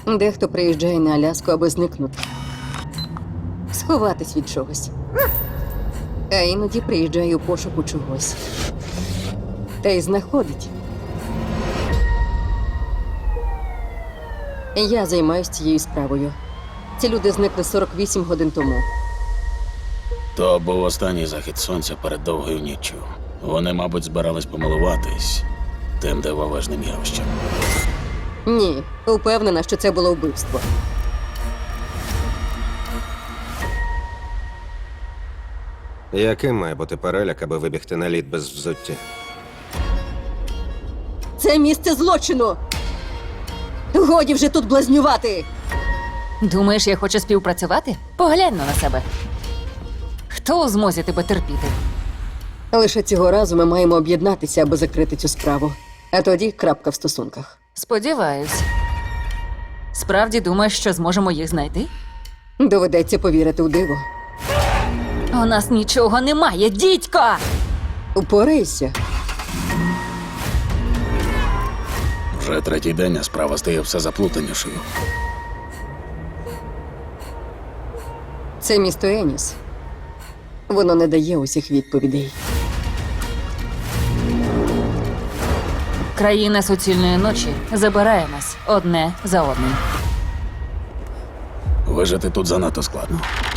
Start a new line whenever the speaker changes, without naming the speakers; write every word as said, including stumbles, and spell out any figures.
Дехто приїжджає на Аляску, аби зникнути. Сховатись від чогось. А іноді приїжджає у пошуку чогось. Та й знаходить. Я займаюся цією справою. Ці люди зникли сорок вісім годин тому.
То був останній захід сонця перед довгою ніччю. Вони, мабуть, збирались помилуватись тим дивовижним явищем.
Ні, упевнена, що це було вбивство.
Яким має бути переляк, аби вибігти на лід без взуття?
Це місце злочину! Годі вже тут блазнювати!
Думаєш, я хочу співпрацювати? Поглянь на себе. Хто у змозі тебе терпіти?
Лише цього разу ми маємо об'єднатися, аби закрити цю справу. А тоді крапка в стосунках.
Сподіваюсь. Справді думаєш, що зможемо їх знайти?
Доведеться повірити у диво.
У нас нічого немає, дідько!
Упорайся.
Вже третій день, а справа стає все заплутанішою.
Це місто Еніс. Воно не дає усіх відповідей.
Країна суцільної ночі забирає нас одне за одним.
Вижити тут занадто складно.